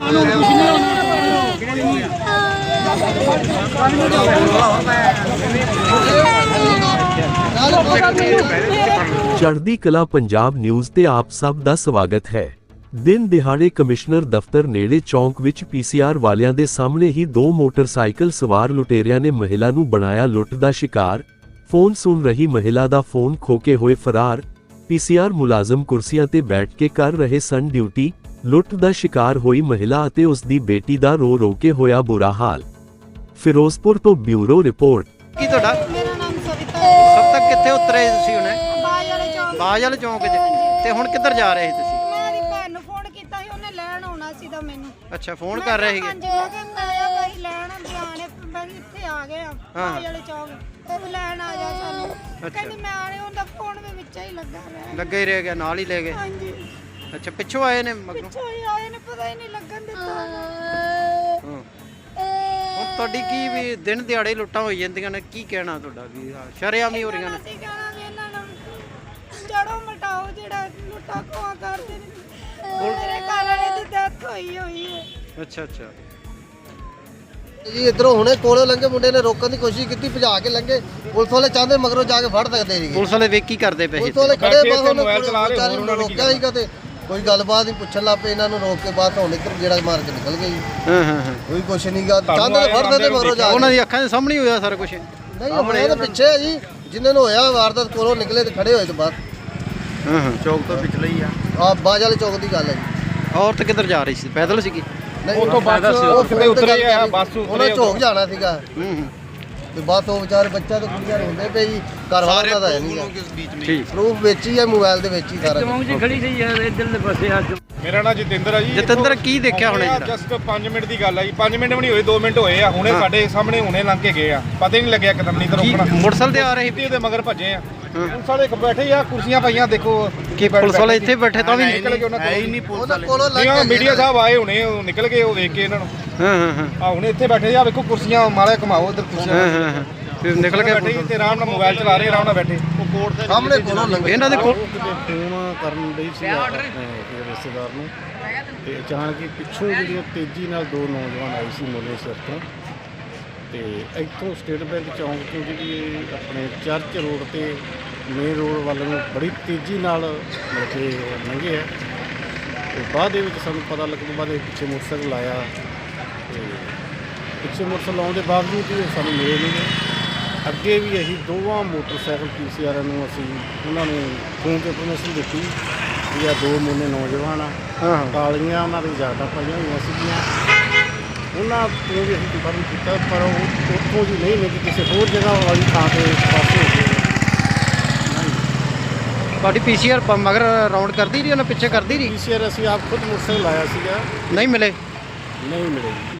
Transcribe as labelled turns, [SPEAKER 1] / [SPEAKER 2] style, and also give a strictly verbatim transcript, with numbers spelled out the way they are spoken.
[SPEAKER 1] ਚੜ੍ਹਦੀ ਕਲਾ ਪੰਜਾਬ ਨਿਊਜ਼ ਤੇ ਆਪ ਸਭ ਦਾ ਸਵਾਗਤ ਹੈ। ਦਿਨ ਦਿਹਾੜੇ ਕਮਿਸ਼ਨਰ ਦਫ਼ਤਰ ਨੇੜੇ ਚੌਂਕ ਵਿੱਚ ਪੀਸੀਆਰ ਵਾਲਿਆਂ ਦੇ ਸਾਹਮਣੇ ਹੀ ਦੋ ਮੋਟਰਸਾਈਕਲ ਸਵਾਰ ਲੁਟੇਰਿਆਂ ਨੇ ਮਹਿਲਾ ਨੂੰ ਬਣਾਇਆ ਲੁੱਟ ਦਾ ਸ਼ਿਕਾਰ। ਫੋਨ ਸੁਣ ਰਹੀ ਮਹਿਲਾ ਦਾ ਫੋਨ ਖੋ ਕੇ ਹੋਏ ਫਰਾਰ। ਪੀਸੀਆਰ ਮੁਲਾਜ਼ਮ ਕੁਰਸੀਆਂ ਤੇ ਬੈਠ ਕੇ ਕਰ ਰਹੇ ਸਨ ਡਿਊਟੀ। ਲੁੱਟ ਦਾ ਸ਼ਿਕਾਰ ਹੋਈ ਮਹਿਲਾ ਅਤੇ ਉਸ ਦੀ ਬੇਟੀ ਦਾ ਰੋ ਰੋ ਕੇ ਹੋਇਆ ਬੁਰਾ ਹਾਲ। ਫਿਰੋਜ਼ਪੁਰ ਤੋਂ ਬਿਊਰੋ ਰਿਪੋਰਟ।
[SPEAKER 2] ਕੀ ਤੁਹਾਡਾ?
[SPEAKER 3] ਮੇਰਾ ਨਾਮ ਸਵਿਤਾ
[SPEAKER 2] ਸਭ ਤੱਕ ਕਿੱਥੇ ਉਤਰੇ ਤੁਸੀਂ ਹੁਣੇ?
[SPEAKER 3] ਬਾਜ ਵਾਲੇ ਚੌਂਕ।
[SPEAKER 2] ਬਾਜ ਵਾਲੇ ਚੌਂਕ 'ਚ। ਤੇ ਹੁਣ ਕਿੱਧਰ ਜਾ ਰਹੇ ਸੀ ਤੁਸੀਂ?
[SPEAKER 3] ਮੈਂ ਦੀ ਭੈਣ ਨੂੰ ਫੋਨ ਕੀਤਾ ਸੀ, ਉਹਨੇ ਲੈਣ ਆਉਣਾ ਸੀ ਤਾਂ ਮੈਨੂੰ।
[SPEAKER 2] ਅੱਛਾ, ਫੋਨ ਕਰ ਰਹੇ ਸੀਗੇ?
[SPEAKER 3] ਹਾਂਜੀ, ਮੈਂ ਕਿਹਾ ਮੈਂ ਆਇਆ ਭਾਈ ਲੈਣ ਬਿਆਨੇ ਮੈਂ ਇੱਥੇ ਆ ਗਏ ਆ ਬਾਜ ਵਾਲੇ ਚੌਂਕ। ਉਹ ਲੈਣ ਆ ਜਾ ਸਾਨੂੰ। ਕਹਿੰਦੀ ਮੈਂ ਆ ਰਹੀ, ਉਹਦਾ ਫੋਨ ਵੀ ਵਿੱਚ ਹੀ ਲੱਗਾ ਰਿਹਾ।
[SPEAKER 2] ਲੱਗਾ ਹੀ ਰਹਿ ਗਿਆ, ਨਾਲ ਹੀ ਲੈ ਗਏ?
[SPEAKER 3] ਹਾਂਜੀ।
[SPEAKER 2] ਅੱਛਾ, ਪਿੱਛੋਂ ਆਏ ਨੇ ਮਗਰੋਂ?
[SPEAKER 3] ਪਿੱਛੋਂ ਹੀ ਆਏ ਨੇ, ਪਤਾ ਹੀ ਨਹੀਂ ਲੱਗਣ ਦਿੱਤਾ।
[SPEAKER 2] ਹਾਂ। ਹੁਣ ਤੁਹਾਡੀ ਕੀ ਵੀ ਦਿਨ ਦਿਹਾੜੇ ਲੁੱਟਾਂ ਹੋਈ ਜਾਂਦੀਆਂ ਨੇ, ਕੀ ਕਹਿਣਾ ਤੁਹਾਡਾ? ਵੀ ਸ਼ਰੇਆਮ ਹੀ ਹੋ ਰਹੀਆਂ ਨੇ?
[SPEAKER 3] ਅਸੀਂ ਕਹਿਣਾ ਵੀ ਇਹਨਾਂ ਨੂੰ ਜੜੋਂ ਮਟਾਓ, ਜਿਹੜਾ ਲੁੱਟਾਂ ਖੋਹਾਂ ਕਰਦੇ ਨੇ। ਮੇਰੇ ਘਰ ਵਾਲੇ ਦੀ ਡੈਥ ਹੋਈ ਹੋਈ ਹੈ।
[SPEAKER 2] ਅੱਛਾ ਅੱਛਾ
[SPEAKER 4] ਜੀ ਇਧਰੋਂ ਹੁਣੇ ਕੋਲੋਂ ਲੰਘੇ ਮੁੰਡੇ ਨੇ ਰੋਕਣ ਦੀ ਕੋਸ਼ਿਸ਼ ਕੀਤੀ, ਭਜਾ ਕੇ ਲੰਘੇ। ਪੁਲਿਸ ਵਾਲੇ ਚਾਹੁੰਦੇ ਮਗਰੋਂ ਜਾ ਕੇ ਫੜ ਸਕਦੇ ਸੀ।
[SPEAKER 2] ਪੁਲਿਸ ਵਾਲੇ ਵੇਖ ਕੀ ਕਰਦੇ ਪਏ?
[SPEAKER 4] ਪੁਲਿਸ ਵਾਲੇ ਖੜੇ ਬਾਹਰ ਉਹਨੂੰ ਰੋਕਿਆ ਸੀਗਾ ਤੇ ਕੋਈ ਗੱਲਬਾਤ ਨਹੀਂ ਪੁੱਛਣ ਲੱਗ ਪਏ ਇਹਨਾਂ ਨੂੰ, ਰੋਕ ਕੇ ਬਾਅਦ ਹੁਣ ਇੱਧਰ ਜਿਹੜਾ ਮਾਰ ਕੇ ਨਿਕਲ ਗਏ ਜੀ।
[SPEAKER 2] ਹਾਂ ਹਾਂ ਹਾਂ।
[SPEAKER 4] ਕੋਈ ਕੁਛ ਨਹੀਂ ਗਾ, ਚਾਹੁੰਦੇ ਫੜ ਸਕਦੇ ਮਗਰੋਂ ਜਾ ਕੇ।
[SPEAKER 2] ਉਹਨਾਂ ਦੀ ਅੱਖਾਂ ਦੇ ਸਾਹਮਣੇ ਹੋਇਆ ਸਾਰਾ ਕੁਝ?
[SPEAKER 4] ਨਹੀਂ, ਆਪਣੇ ਤਾਂ ਪਿੱਛੇ ਹੈ ਜੀ, ਜਿਨ੍ਹਾਂ ਨੂੰ ਹੋਇਆ ਵਾਰਦਾਤ ਕੋਲੋਂ ਨਿਕਲੇ ਤੇ ਖੜੇ ਹੋਏ ਤੇ ਬਾਅਦ।
[SPEAKER 2] ਹਾਂ ਹਾਂ, ਚੌਕ ਤੋਂ ਪਿਛਲੇ ਹੀ ਆ।
[SPEAKER 4] ਆ ਬਾਜ ਵਾਲੇ ਚੌਕ ਦੀ ਗੱਲ ਹੈ ਜੀ।
[SPEAKER 2] ਔਰਤ ਕਿੱਧਰ ਜਾ ਰਹੀ ਸੀ? ਪੈਦਲ ਸੀਗੀ?
[SPEAKER 4] ਉਹ ਤੋਂ ਬੱਸ ਉਹ ਕਿਤੇ ਉਤਰੇ ਆ, ਬੱਸ ਉਹਨਾਂ ਝੋਕ ਜਾਣਾ ਸੀਗਾ।
[SPEAKER 2] ਹੂੰ ਹੂੰ।
[SPEAKER 4] ਤੇ ਬਸ ਉਹ ਵਿਚਾਰੇ ਬੱਚਾ ਤੇ ਕੁੜੀਆਂ ਹੁੰਦੇ ਪਏ ਜੀ, ਘਰ ਵਾਲਾ ਦਾ ਹੈ ਨਹੀਂ।
[SPEAKER 2] ਠੀਕ।
[SPEAKER 4] ਪ੍ਰੂਫ ਵਿੱਚ ਹੀ ਹੈ, ਮੋਬਾਈਲ ਦੇ ਵਿੱਚ ਹੀ ਸਾਰਾ।
[SPEAKER 5] ਖੜੀ ਸੀ ਯਾਰ ਇੱਧਰਲੇ ਪਾਸੇ ਆ।
[SPEAKER 6] ਮੇਰਾ ਨਾਮ ਜਤਿੰਦਰ ਆ ਜੀ।
[SPEAKER 2] ਜਤਿੰਦਰ, ਕੀ ਦੇਖਿਆ ਹੁਣੇ ਜਿਹੜਾ?
[SPEAKER 6] ਜਸਟ ਪੰਜ ਮਿੰਟ ਦੀ ਗੱਲ ਆ ਜੀ, ਪੰਜ ਮਿੰਟ ਵੀ ਨਹੀਂ ਹੋਏ, ਦੋ ਮਿੰਟ ਹੋਏ ਆ। ਹੁਣੇ ਸਾਡੇ ਸਾਹਮਣੇ ਹੁਣੇ ਲੰਘ ਕੇ ਗਏ ਆ, ਪਤਾ ਹੀ ਨਹੀਂ ਲੱਗਿਆ ਕਦਮ ਨਹੀਂ ਤੇ ਰੋਕਣਾ।
[SPEAKER 2] ਮੋਟਰਸਾਈਕਲ ਤੇ ਆ ਰਹੇ
[SPEAKER 6] ਸੀ, ਉਹਦੇ ਮਗਰ ਭੱਜੇ ਆ। ਪੁਲਿਸ ਵਾਲੇ ਬੈਠੇ ਆ, ਕੁਰਸੀਆਂ ਪਾਈਆਂ, ਦੇਖੋ
[SPEAKER 2] ਕੀ ਪੁਲਿਸ ਵਾਲੇ ਇੱਥੇ ਬੈਠੇ ਤਾਂ ਵੀ
[SPEAKER 6] ਨਿਕਲ ਗਏ ਉਹਨਾਂ
[SPEAKER 4] ਉਹਨਾਂ ਕੋਲੋਂ ਲੰਘ
[SPEAKER 6] ਕੋਲ।
[SPEAKER 4] ਕੇ
[SPEAKER 6] ਮੀਡੀਆ ਸਾਹਿਬ ਆਏ ਹੁਣੇ, ਉਹ ਨਿਕਲ ਗਏ, ਉਹ ਵੇਖ ਕੇ ਇਹਨਾਂ ਨੂੰ।
[SPEAKER 2] ਹਾਂ ਹਾਂ ਹਾਂ।
[SPEAKER 6] ਆ ਹੁਣੇ ਇੱਥੇ ਬੈਠੇ ਆ, ਵੇਖੋ ਕੁਰਸੀਆਂ ਮਾਲੇ ਘੁਮਾਓ ਇੱਧਰ ਕੁਰਸੀਆਂ।
[SPEAKER 2] ਹਾਂ ਹਾਂ ਹਾਂ। ਫਿਰ ਨਿਕਲ ਕੇ
[SPEAKER 6] ਬੈਠੇ ਤੇ ਆਰਾਮ ਨਾਲ ਮੋਬਾਈਲ ਚਲਾ ਰਹੇ, ਆਰਾਮ ਨਾਲ ਬੈਠੇ। ਉਹ ਕੋਰਟ ਦੇ
[SPEAKER 4] ਸਾਹਮਣੇ ਕੋਲੋਂ ਲੰਘੇ।
[SPEAKER 2] ਇਹਨਾਂ ਦੇ ਕੋਲ
[SPEAKER 7] ਫੋਨ ਕਰਨ ਲਈ ਸੀ ਆਪਣੇ ਰਿਸ਼ਤੇਦਾਰ ਨੂੰ, ਤੇ ਅਚਾਨਕ ਹੀ ਪਿੱਛੋਂ ਜਿਹੜੀਆਂ ਤੇਜ਼ੀ ਨਾਲ ਦੋ ਨੌਜਵਾਨ ਆਏ ਸੀ ਮੋਲੇ ਸਿਰ ਤੋਂ, ਤੇ ਇੱਥੋਂ ਸਟੇਟ ਬੈਂਕ ਚੌਂਕ ਤੋਂ ਜਿਹੜੀ ਆਪਣੇ ਚਰਚ ਰੋਡ ਤੇ ਮੇਨ ਰੋਡ ਵੱਲ ਨੂੰ ਬੜੀ ਤੇਜ਼ੀ ਨਾਲ ਮਤਲਬ ਕਿ ਲੰਘੇ ਆ। ਤੇ ਬਾਅਦ ਦੇ ਵਿੱਚ ਸਾਨੂੰ ਪਤਾ ਲੱਗਣ ਤੋਂ ਬਾਅਦ ਇਹ ਪਿੱਛੇ ਮੋਟਰਸਾਈਕਲ ਆਇਆ, ਤੇ ਪਿੱਛੇ ਮੋਟਰਸਾਈਕਲ ਆਉਣ ਦੇ ਬਾਵਜੂਦ ਵੀ ਸਾਨੂੰ ਮਿਲੇ ਨਹੀਂ। ਅੱਗੇ ਵੀ ਅਸੀਂ ਦੋਵਾਂ ਮੋਟਰਸਾਈਕਲ ਪੀਸੀਆਰ ਨੂੰ ਅਸੀਂ ਉਹਨਾਂ ਨੂੰ ਫੋਨ 'ਤੇ ਇਨਫੋਰਮੇਸ਼ਨ ਦਿੱਤੀ ਵੀ ਆ ਦੋ ਮੁੰਡੇ ਨੌਜਵਾਨ ਆ, ਕਾਲੀਆਂ ਉਹਨਾਂ ਦੀ ਜਾਟਾਂ ਪਾਈਆਂ ਹੋਈਆਂ ਸੀਗੀਆਂ। ਉਹਨਾਂ ਤੋਂ ਵੀ ਅਸੀਂ ਕੰਫਰਮ ਕੀਤਾ, ਪਰ ਉਹ ਉੱਥੋਂ ਜੀ ਨਹੀਂ ਮਿਲੀ, ਕਿਸੇ ਹੋਰ ਜਗ੍ਹਾ ਵਾਲੀ ਥਾਂ 'ਤੇ ਪਾਸੇ ਹੋ ਗਏ।
[SPEAKER 2] ਤੁਹਾਡੀ ਪੀਸੀਆਰ ਮਗਰ ਰਾਉਂਡ ਕਰਦੀ ਰਹੀ, ਉਹਨਾਂ ਪਿੱਛੇ ਕਰਦੀ ਰਹੀ?
[SPEAKER 7] ਪੀਸੀਆਰ ਅਸੀਂ ਆਪ ਖੁਦ ਮੋਟਰਸਾਈਕਲ ਲਾਇਆ ਸੀਗਾ,
[SPEAKER 2] ਨਹੀਂ ਮਿਲੇ?
[SPEAKER 7] ਨਹੀਂ ਮਿਲੇ।